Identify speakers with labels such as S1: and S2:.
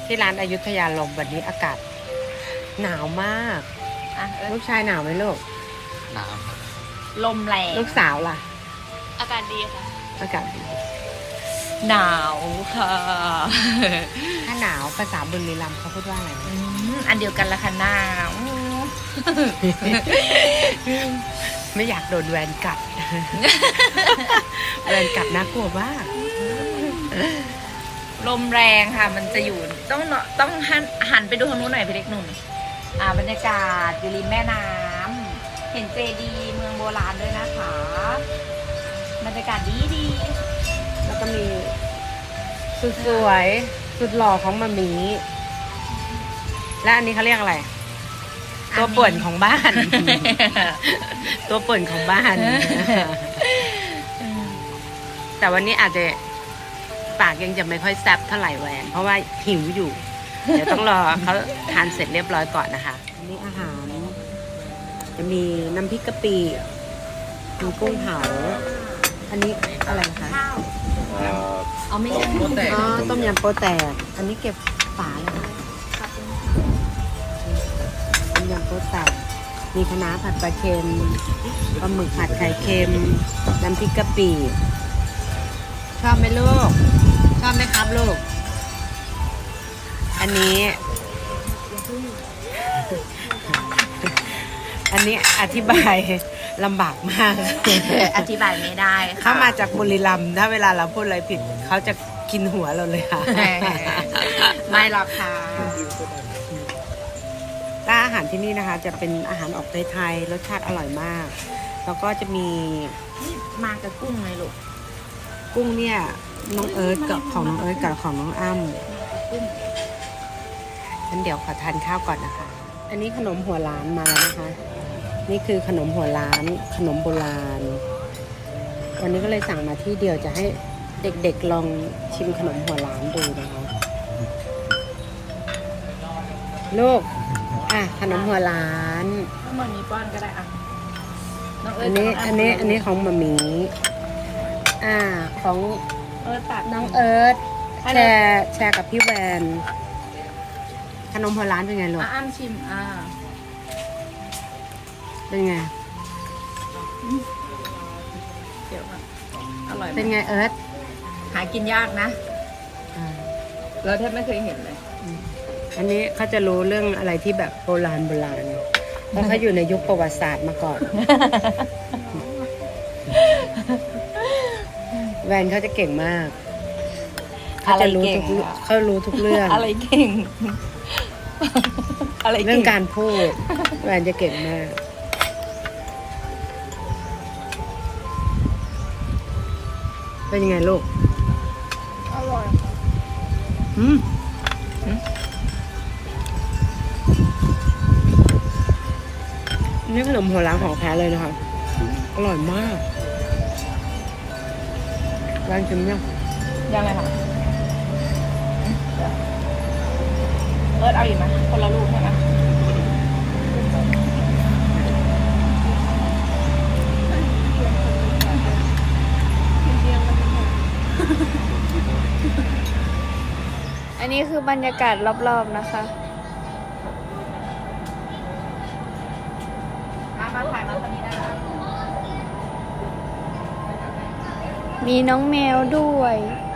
S1: ที่ร้านอยุธยาลมวันนี้อากาศหนาวมากลูกชายหนาวไหมลูก
S2: หนาว
S3: ลมแรง
S1: ลูกสาวล่ะ
S3: อากาศดีค่ะ
S1: อากาศดี
S3: หนาวค่ะ
S1: ถ้าหนาวภาษาบุรีรัมย์เขาพูดว่าอะไรนะ
S3: อันเดียวกันละค่ะหนาว
S1: ไม่อยากโดนแวนกัด แวนกัดน่ากลัวมาก
S3: ลมแรงค่ะ มันจะอยู่ต้องหันไปดูทางนู้นหน่อยพี่เล็กหนุ่มบรรยากาศอยู่ริมแม่น้ำเห็นเจดีย์เมืองโบราณด้วยนะคะบรรยากาศดี
S1: แล้วก็มีสุดสวยสุดหล่อของมามีและอันนี้เขาเรียกอะไร ตัวป่วนของบ้าน ตัวป่วนของบ้าน แต่วันนี้อาจจะปากยังจะไม่ค่อยแซ่บเท่าไหร่แหวน เพราะว่าหิวอยู่ เดี๋ยวต้องรอเขาทานเสร็จเรียบร้อยก่อนนะคะ อันนี้อาหาร จะมีน้ำพริกกะปิมีกุ้งเผา อันนี้อะไรคะ
S3: ข้าวเอาไม่ใช่
S1: อ๋อต้มยำโปแตก อันนี้เก็บฝาเลยค่ะต้มยำโปแตก มีคะน้าผัดปลาเค็มปลาหมึกผัดไข่เค็ม น้ำพริกกะปิ ชอบไหมลูก ชอบไหมครับลูก อันนี้ อันนี้อธิบายลำบากมาก
S3: อธิบายไม่ได้ค่ะ
S1: เขามาจากบุรีรัมย์ถ้าเวลาเราพูดอะไรผิด เขาจะกินหัวเราเลยค่ะ
S3: ไม่หรอกค่ะ
S1: ร้านอาหารที่นี่นะคะ จะเป็นอาหารออกไทยๆรสชาติอร่อยมาก แล้วก็จะมี
S3: นี่มากับกุ้งเลยลูก
S1: กุ้งเนี่ยน้องเอิร์ธกับของน้องเอิร์ธกับของน้องอ้ำงั้นเดี๋ยวขอทานข้าวก่อนนะคะ อันนี้ขนมหัวล้านมาแล้วนะคะ นี่คือขนมหัวล้านขนมโบราณ วันนี้ก็เลยสั่งมาที่เดียวจะให้เด็กๆลองชิมขนมหัวล้านดูนะคะลูกขนมหัวล้าน
S3: ถ้ามันมีป้อนก็ได้อ่ะน้องเอิ
S1: อั
S3: ร์
S1: น
S3: ธ
S1: นี้
S3: กับ
S1: อันนี้อันนี้ของหมามีของ
S3: เอิร์ธตัก
S1: น้องเอิร์ธแชร์กับพี่แวนขนมหัวล้านเป็นไงลูก
S3: อ้ำชิม
S1: เป็นไง
S3: เดี๋ยวอร่อย
S1: เป็นไงเอิร์ธ
S3: หากินยากนะ เราแทบไม่เคยเห็นเลย
S1: อันนี้เขาจะรู้เรื่องอะไรที่แบบโบราณเพราะเขาอยู่ในยุคประวัติศาสตร์มาก่อน แวนเขาจะเก่งมากเขาจะรู้ทุกเขารู้ทุกเรื่อง
S3: อะไรเก่ง อะไร
S1: เรื่
S3: เก่
S1: อง
S3: ง
S1: การพูดแวนจะเก่งมาก เป็นยังไงลูก
S3: อร่อย
S1: นี่ขนมหัวล้างของแท้เลยนะคะ อร่อยมากร้านชิมยัง
S3: ยังไงคะเอิร์ธเอาอีกไหมคนละลูกใช่ไหม
S4: อันนี้คือบรรยากาศรอบๆนะคะ
S3: มาถ่ายมาคนนี้ได้ค่ะ
S4: มีน้องแมวด้วย
S3: เ